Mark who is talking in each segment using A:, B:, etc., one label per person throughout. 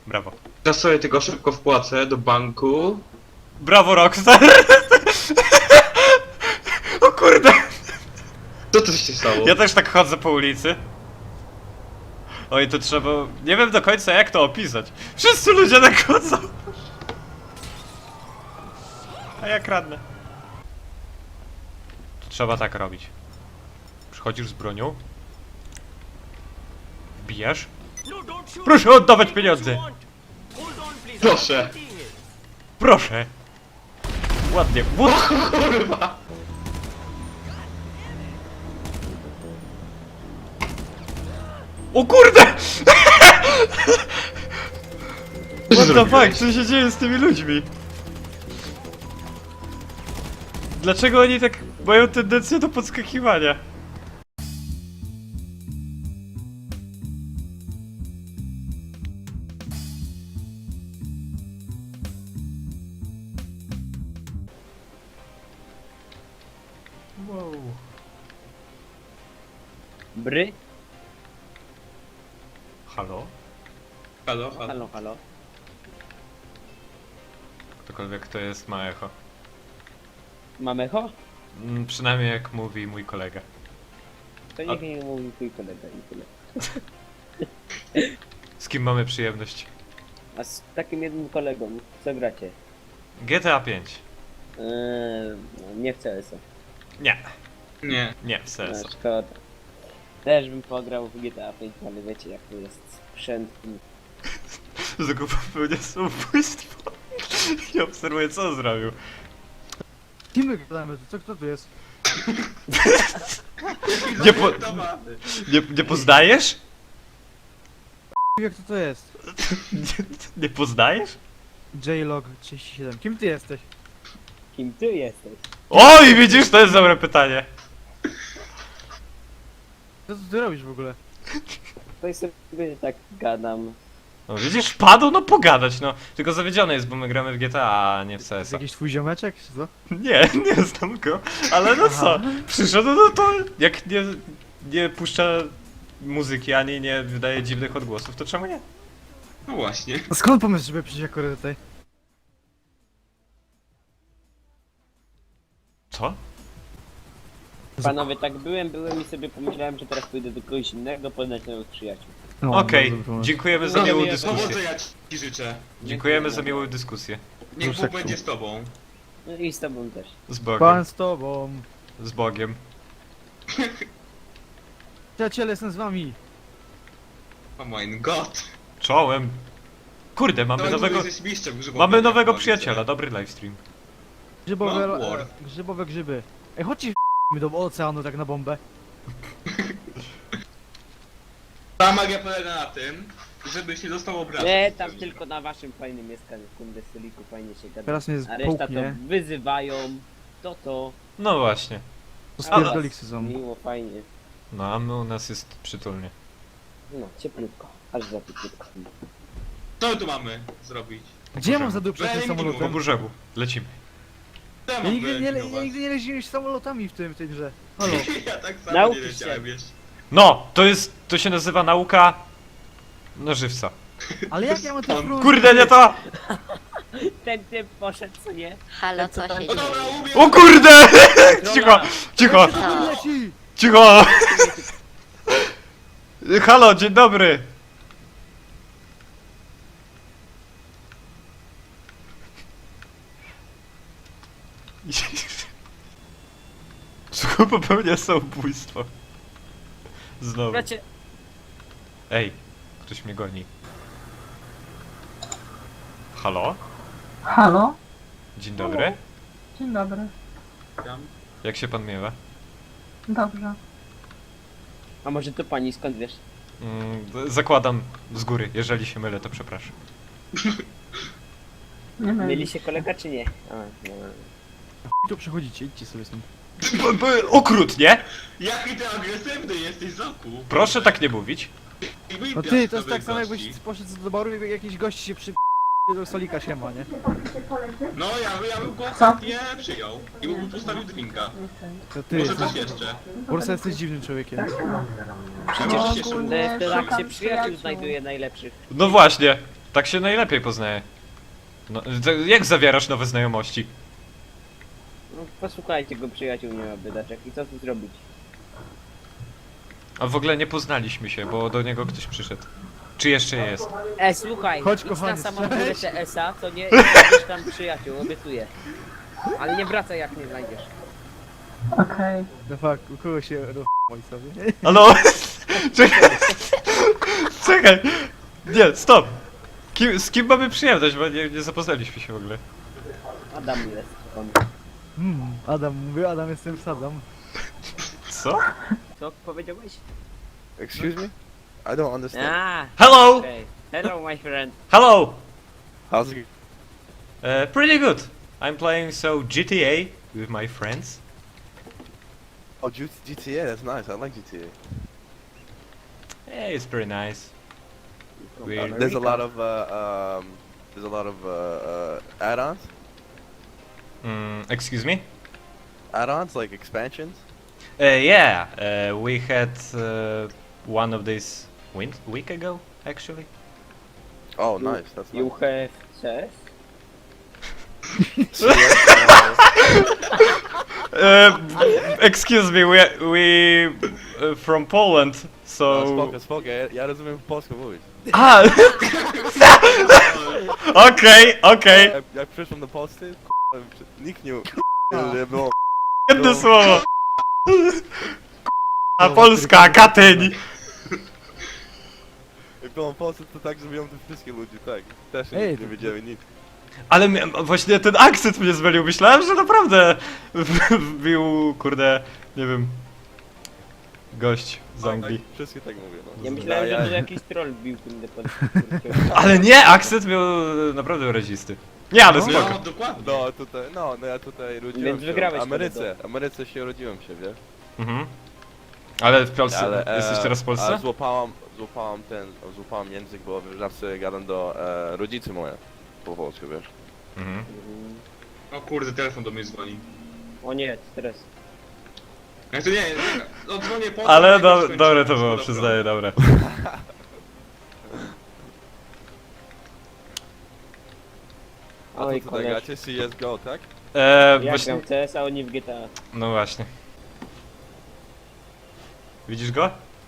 A: Brawo.
B: Teraz sobie tylko szybko wpłacę do banku.
A: Brawo, Rockstar! O kurde!
B: Co to się stało?
A: Ja też tak chodzę po ulicy. Oj, to trzeba... Nie wiem do końca jak to opisać. Wszyscy ludzie tak chodzą. A ja kradnę. To trzeba tak robić. Przychodzisz z bronią. Wbijasz. Proszę oddawać pieniądze!
B: Proszę.
A: Proszę! Ładnie.
B: Kurwa.
A: O kurde! What the fuck? Co się dzieje z tymi ludźmi? Dlaczego oni tak mają tendencję do podskakiwania? Wow.
C: Bry?
A: Halo?
B: Halo, halo.
C: Halo, halo.
A: Ktokolwiek to jest ma echo.
C: Mam echo?
A: Przynajmniej jak mówi mój kolega.
C: To niech nie mówi twój kolega i tyle.
A: Z kim mamy przyjemność?
C: A z takim jednym kolegą, co gracie?
A: GTA 5.
C: No, nie w CS-a.
A: Nie,
B: Nie.
A: nie w sensu.
C: Szkoda. Też bym pograł w GTA 5, ale wiecie jak to jest sprzęt.
A: Zakup popełnia samobójstwo. I obserwuję co on zrobił.
D: Kim my gadamy? Co kto tu jest?
A: Nie poznajesz?
D: Jak to jest?
A: Nie poznajesz?
D: J-Log 37. Kim ty jesteś?
C: Kim ty jesteś?
A: Oj, widzisz, to jest dobre pytanie.
D: Co ty robisz w ogóle?
C: To jest sobie tak gadam.
A: No widzisz, wpadł, no pogadać, no. Tylko zawiedziony jest, bo my gramy w GTA, a nie w
D: Jest
A: CS-a.
D: jakiś twój ziomeczek, czy co?
A: Nie, nie znam go. Ale no co, przyszedł, no to jak nie puszcza muzyki, ani nie wydaje dziwnych odgłosów, to czemu nie?
B: No właśnie.
D: A skąd pomysł, żeby przyjść akurat tutaj?
A: Co?
C: Panowie, tak byłem i sobie pomyślałem, że teraz pójdę do kogoś innego, poznać nowych przyjaciół.
D: No,
A: Okej,
D: bardzo dobry pomysł.
A: dziękujemy za miłą dyskusję.
B: Powodzenia ci życzę.
A: Dziękujemy za miłą dyskusję.
B: Niech Bóg
D: Proszę.
B: będzie z tobą.
C: No i z tobą też.
A: Z Bogiem.
D: Pan z tobą.
A: Z Bogiem.
D: Przyjaciele, jestem z wami.
B: Oh my god.
A: Czołem. Kurde, mamy nowego...
B: Jesteś mistrzem grzybowania,
A: Mamy nowego
B: widzę.
A: przyjaciela, dobry livestream.
D: Grzybowe,
B: No, war.
D: grzybowe grzyby. Ej, chodźcie do oceanu tak na bombę.
B: Ta magia polega na tym, żebyś nie dostał obrazu.
C: Nie, tam tylko na waszym fajnym mieszkaniu, kurde stoliku, fajnie się gada.
D: Teraz mnie
C: A reszta to
D: połknie.
C: wyzywają, to.
A: No właśnie.
D: To
C: Ale-
D: spierdoliksy są.
C: Miło, fajnie.
A: No a my u nas jest przytulnie.
C: No, cieplutko. Aż za cieplutko.
B: Co my tu mamy zrobić?
D: Gdzie ja mam zaduprzeć tym
B: Wyeliminuj.
A: Po
D: samolotem?
A: brzegu. Lecimy.
B: Co ja
D: Ja
B: mam
D: nigdy nie
B: wyeliminować?
D: jeździłem samolotami w tej grze. Halo.
B: Ja tak samo
C: Nauczysz
B: nie
C: się.
B: leciałem jeszcze.
A: No, to się nazywa nauka... No żywca.
D: Ale jak ja mam to spróbować?
A: Kurde, nie to!
C: Ten typ poszedł, co nie?
E: Halo, co się
B: No
E: dzieje?
B: dobra, umiem.
A: O kurde! Cicho, cicho,
E: Co?
D: Leci!
A: cicho! Halo, dzień dobry! Słuchaj, popełnia samobójstwo. Znowu.
C: Bracie,
A: Ej, ktoś mnie goni. Halo?
F: Halo?
A: Dzień dobry.
F: Dzień dobry.
A: Jak się pan miewa?
F: Dobrze.
C: a może to pani, skąd wiesz?
A: Zakładam z góry, jeżeli się mylę, to przepraszam.
F: Nie
C: Mieli
F: myli.
C: się kolega, czy nie? A, no.
D: Tu przechodzicie, idźcie sobie stąd.
A: Okrutnie!
B: Jaki ty agresywny jesteś, Zoku.
A: Proszę tak nie mówić.
D: No ty, to jest tak samo jakbyś poszedł do baru i jakiś gość się przy... do stolika siema, nie?
B: No ja bym go
F: Co?
B: nie przyjął. I bym mu postawił drinka.
D: To ty
B: Może
D: jesteś...
B: coś jeszcze.
D: Po prostu jesteś dziwnym człowiekiem.
B: Przecież się
C: Kurde, to tak się przyjaciół znajduje najlepszych.
A: No właśnie. Tak się najlepiej poznaje. No, jak zawierasz nowe znajomości?
C: No, posłuchajcie go, przyjaciół nie ma biedaczek. I co tu zrobić?
A: A w ogóle nie poznaliśmy się, bo do niego ktoś przyszedł. Czy jeszcze jest?
C: Słuchaj,
D: Chodź,
C: idź
D: kochanie,
C: na samą
D: cześć.
C: górę TS-a, to nie znajdziesz tam przyjaciół, obiecuję. Ale nie wracaj jak nie znajdziesz.
F: Okej.
D: No fuck, u kogo się moi sobie?
A: Halo? Czekaj. Czekaj. Nie, stop. Z kim mamy przyjemność, bo nie zapoznaliśmy się w ogóle.
C: Adam jest. On.
D: Adam, mówię, Adam jestem Sadam.
A: Co?
C: Co powiedziałeś?
E: Excuse me? I don't understand.
A: Hello!
C: Okay. Hello my friend.
A: Hello!
E: How's it?
A: Pretty good. I'm playing GTA with my friends.
E: Oh, GTA. That's nice. I like GTA.
A: Yeah, it's pretty nice. Weird.
E: There's a lot of add-ons.
A: Excuse me?
E: Add-ons like expansions.
A: Yeah, we had one of these week ago, actually.
E: Oh, nice. That's
C: You
E: nice.
C: have CS?
A: Excuse me, we from Poland, so...
E: Spoko. Ja rozumiem polską mówić.
A: Ah! Okej.
E: Jak przyszłem do Polski, nikt nie było.
A: Jedno słowo. A Polska, Katyń.
E: Jak byłem w Polsce, to tak zrobiłem te wszystkie ludzie, tak. Też
D: Ej,
E: nie
D: to-
E: wiedzieli nic.
A: Ale właśnie ten akcent mnie zmylił, myślałem, że naprawdę wbił, kurde, nie wiem, gość z Anglii.
E: Tak, wszystkie tak mówię, no.
C: Ja myślałem, że to jakiś troll bił tym pod.
A: Ale nie, akcent miał naprawdę wyrazisty. Nie, ale
B: No,
A: spoko.
B: dokładnie.
E: No ja tutaj urodziłem
C: Więc
E: się
C: wygrałeś
E: w Ameryce się urodziłem się, wiesz?
A: Mhm. Ale w Polsce,
E: Ale,
A: jesteś teraz w Polsce?
E: Ale złapałem język, bo zawsze gadam do rodzicy moje po polsku, wiesz?
A: Mhm.
B: O kurde, telefon do mnie dzwoni.
C: O nie, stres.
B: Jak to nie, no dzwonię po
A: Ale
B: jak już skończyłem.
A: dobre to było,
B: Dobra.
A: przyznaję, dobre.
E: A
C: Oj,
E: to tutaj
C: koleś.
E: gracie CSGO, tak?
C: Ja
A: Właśnie,
C: gram w CS, a oni w GTA.
A: no właśnie. Widzisz go?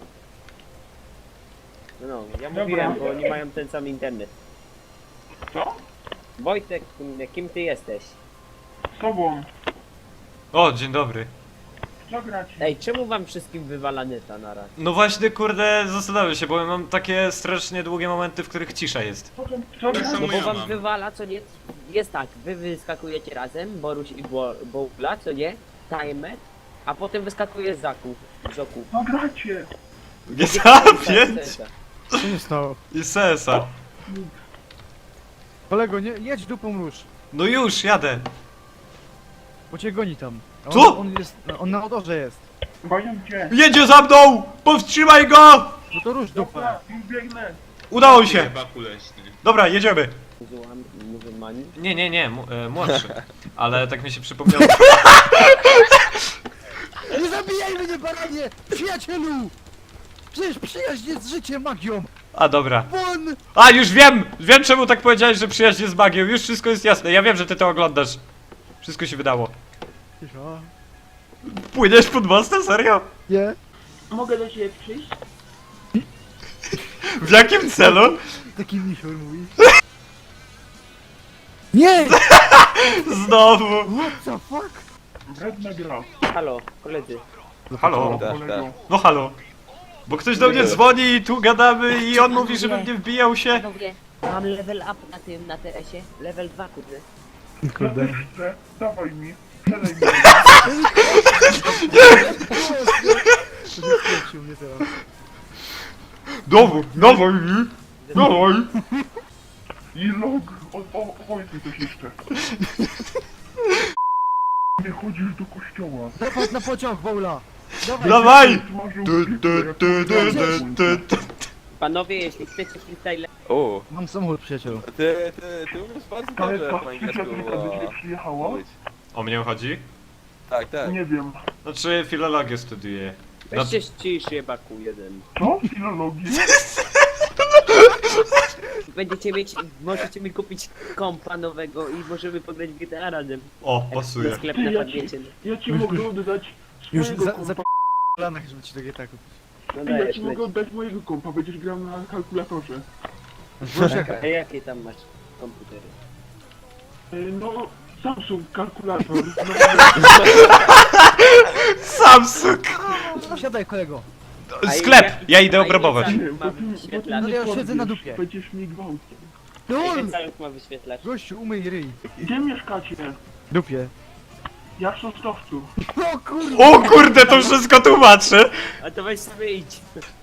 C: No, ja mówiłem, bo oni mają ten sam internet.
G: Co?
C: Wojtek, kim ty jesteś?
G: Z tobą.
A: O, dzień dobry.
G: Co grać?
C: Ej, czemu wam wszystkim wywala neta na raz?
A: No właśnie, kurde, zastanawiam się, bo mam takie strasznie długie momenty, w których cisza jest.
G: Co
B: Tak
G: grać?
B: samo
C: No bo
B: ja
C: wam
B: mam.
C: wywala, co nie? Jest tak, wy wyskakujecie razem, Boruś i Bowla, co nie? Timer, a potem wyskakuje Zaku. Zoku.
G: Co gracie?
A: GTA 5
D: Co się stało?
A: i CS-a.
D: Kolego, nie, jedź dupą róż,
A: No już, jadę.
D: bo cię goni tam. A
A: Co?
D: On na odorze jest.
G: Boję cię.
A: Jedzie za mną! Powstrzymaj go!
D: No to róż dupę.
G: Dobra, już biegnę.
A: Udało się.
B: Baku leśny.
A: Dobra, jedziemy.
C: Muzułmani.
A: Nie, młodszy. Ale tak mi się przypomniało.
D: Nie zabijaj mnie, baranie! Przyjacielu! Przecież przyjaźń jest życiem magią!
A: A dobra.
D: Won!
A: A, już wiem! Wiem czemu tak powiedziałeś, że przyjaźń jest magią. Już wszystko jest jasne. Ja wiem, że ty to oglądasz. Wszystko się wydało.
D: Cisza.
A: Płyniesz pod mostem? Serio?
D: Nie?
G: Mogę do ciebie przyjść?
A: W jakim celu?
D: Taki misior mówi. Nie!
A: Znowu.
D: What the fuck?
G: Wredna gra.
C: Halo, koledzy.
A: Halo?
E: Tak,
G: Kolego.
A: No halo. Bo ktoś do mnie dzwoni i tu gadamy i on mówi, żebym nie wbijał się.
C: Panowie, mam level up na tym, na TS-ie. Level 2, kurde.
D: Kurde.
G: Ja też chcę. Dawaj mi. Przedaj mi.
D: To nie skręcił mnie teraz.
A: Dawaj mi. Dawaj.
G: I log. Powiedz mi coś jeszcze. Nie chodzisz do kościoła.
D: Zapadł na pociąg, Wola! Dawaj!
A: Dawaj.
G: Smażył
A: Du,
G: pizzę,
A: du,
G: jak
A: du, du, du, du.
C: Panowie, jeśli chcecie freestyle,
E: O,
D: Mam samochód, przyjacielu.
E: ty umiesz bardzo
G: Ale
E: dobrze
G: ta
E: po angielsku
G: przyjaciółka do ciebie przyjechała?
E: mówić.
A: O mnie chodzi?
G: Tak.
E: Tak.
G: Nie wiem.
A: Znaczy filologię studiuję.
C: weźcie ścisz jebaku jeden.
G: Co? Filologię?
C: Możecie mi kupić kompa nowego i możemy pograć w GTA razem.
A: O,
C: Jak
A: pasuje.
C: na sklep
G: Ty,
C: na
G: ja
C: padniecie.
G: Ja ci mogę oddać
D: Już
G: swojego
D: za
G: kompa.
D: planach, żeby ci do GTA kupić.
C: No
G: Ty, ja
C: dajesz,
G: ci mogę oddać mojego kompa, będziesz grał na kalkulatorze.
C: A jakie tam masz komputery?
G: No, Samsung kalkulator.
A: Samsung!
D: Siadaj kolego.
A: Sklep! Ja idę obrabować.
G: Nie, bo
C: Mam
G: ty, bo ty
C: wyświetlacz.
D: No
G: mnie
D: ja już siedzę na
G: porwiesz,
D: dupie.
G: Będziesz mnie gwałcił.
D: LOL!
C: Caluch ma wyświetlacz.
D: Gościu, umyj ryj.
G: Gdzie mieszkacie?
D: Dupie.
G: Ja w Sosnowcu.
D: O kurde!
A: O kurde, to wszystko tłumaczy!
C: A to weź sobie idź.